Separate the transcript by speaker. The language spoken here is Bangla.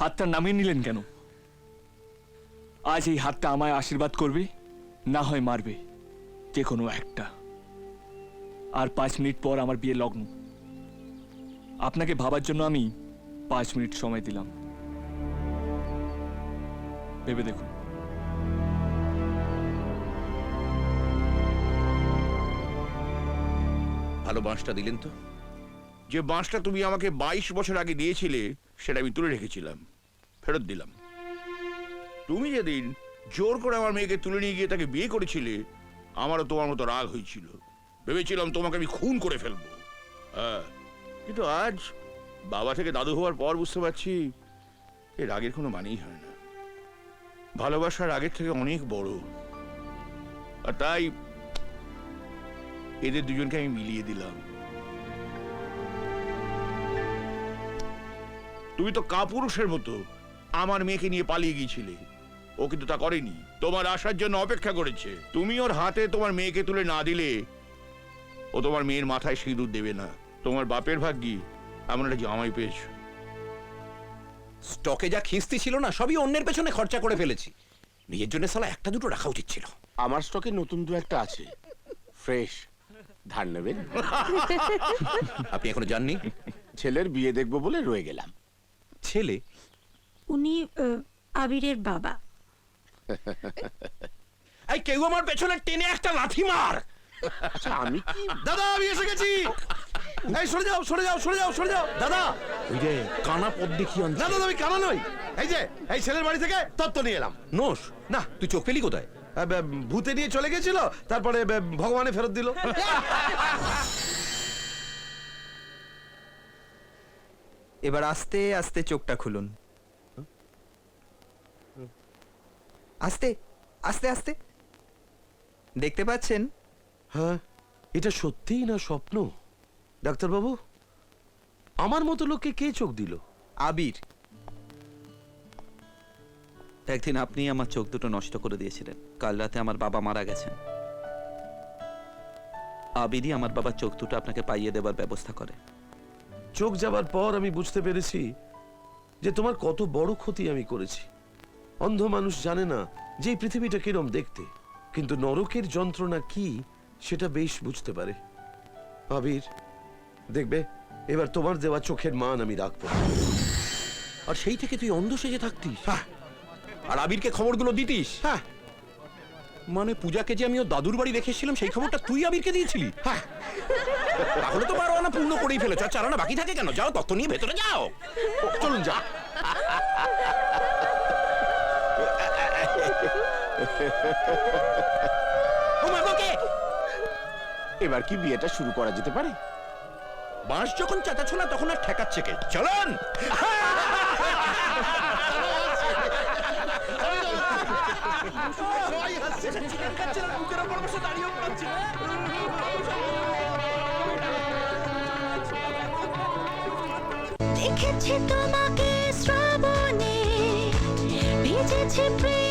Speaker 1: হাতটা নামিয়ে নিলেন কেন? আজ এই হাতটা আমায় আশীর্বাদ করবে, না হয় মারবে, যে কোনো একটা। আর 5 মিনিট পর আমার বিয়ে লগ্ন। আপনাকে ভাবার জন্য আমি 5 মিনিট সময় দিলাম, ভেবে দেখুন।
Speaker 2: ভালো বাঁশটা দিলেন তো। যে বাঁশটা তুমি আমাকে 22 বছর আগে দিয়েছিলে সেটা আমি তুলে রেখেছিলাম, ফেরত দিলাম। তুমি যেদিন জোর করে আমার মেয়েকে তুলে নিয়ে গিয়ে তাকে বিয়ে করেছিলে, আমারও তোমার মতো রাগ হয়েছিল। ভেবেছিলাম তোমাকে আমি খুন করে ফেলবো। হ্যাঁ, কিন্তু আজ বাবা থেকে দাদু হওয়ার পর বুঝতে পারছি এই রাগের কোনো মানেই হয় না। ভালোবাসা রাগের থেকে অনেক বড়। আর তাই এদের দুজনকে আমি মিলিয়ে দিলাম। তুমি তো কাপুরুষের মতো আমার মেয়েকে নিয়ে পালিয়ে গিয়েছিলে, ও কিন্তু তা করেনি, তোমার আসার জন্য অপেক্ষা করেছে। তুমি ওর হাতে তোমার মেয়েকে তুলে না দিলে ও তোমার মেয়ের মাথায় সিঁদুর দেবে না। তোমার বাপের ভাগ্যি এমন একটা জামাই পেয়েছো।
Speaker 3: স্টকে যা খিস্তি ছিল না, সবই অন্যের পেছনে খরচা করে ফেলেছি। নিজের জন্য সালা একটা দুটো রাখা উচিত ছিল।
Speaker 4: আমার স্টকে নতুন 2-1টা আছে, ফ্রেশ। ধার নেবেন?
Speaker 3: আপনি এখনো জাননি?
Speaker 4: ছেলের বিয়ে দেখবো বলে রয়ে গেলাম।
Speaker 3: ছেলে?
Speaker 5: উনি আবিরের বাবা।
Speaker 3: এই কেউ আমার পেছনে টেনে একটা লাথি মার।
Speaker 4: আচ্ছা, আমি কি?
Speaker 6: দাদা আমি এসে গেছি। এই সরে যাও সরে যাও সরে যাও সরে যাও দাদা।
Speaker 3: ওই যে কানা পদ দেখি
Speaker 6: না দাদা আমি কানা নই। এই যে এই ছেলের বাড়ি থেকে তত্ত্ব নিয়ে এলাম।
Speaker 3: নোস না, তুই চোখ পেলি কোথায়?
Speaker 6: ভূতে নিয়ে চলে গেছিল, তারপরে ভগবানে ফেরত দিল।
Speaker 7: এবার আস্তে আস্তে চোখটা খুলুন। আস্তে আস্তে আস্তে। দেখতে পাচ্ছেন?
Speaker 6: হ্যাঁ, এটা সত্যিই না স্বপ্ন? ডাক্তারবাবু, আমার মতো লোককে কে চোখ দিল?
Speaker 7: আবির। একদিন আপনি আমার চোখ দুটো নষ্ট করে দিয়েছিলেন। কাল রাতে আমার বাবা মারা গেছেন। আবিরই আমার বাবার চোখ দুটো আপনাকে পাইয়ে দেবার ব্যবস্থা করে।
Speaker 6: চোখ যাবার পর আমি বুঝতে পেরেছি যে তোমার কত বড় ক্ষতি আমি করেছি। অন্ধ মানুষ জানে না যে এই পৃথিবীটা কিরম দেখতে, কিন্তু নরকের যন্ত্রণা কি সেটা বেশ বুঝতে পারে। আবির, দেখবে এবার তোমার দেওয়া চোখের মান আমি রাখবো।
Speaker 3: আর সেই থেকে তুই অন্ধ সেজে থাকতিস আর আবিরকে খবরগুলো দিতিস?
Speaker 6: হ্যাঁ,
Speaker 3: মানে পূজাকে যে আমি ওর দাদুর বাড়ি রেখেছিলাম সেই খবরটা তুই আবিরকে দিয়েছিলি?
Speaker 6: হ্যাঁ।
Speaker 3: তাহলে তো 12 আনা পূর্ণ করেই ফেলেছ। আর 4 আনা বাকি থাকে কেন? যাও তত্ত্ব নিয়ে ভেতরে যাও।
Speaker 6: চলুন যা।
Speaker 3: ও মা গো, কে?
Speaker 4: এবার কি বিয়েটা শুরু করা যেতে পারে?
Speaker 3: বাঁশ যখন চাটাচ্ছ না তখন আর ঠেকাচ্ছে কে? চলুন।
Speaker 5: দেখেছি তোমাকে শ্রাবণে, ভিজেছে প্রেম।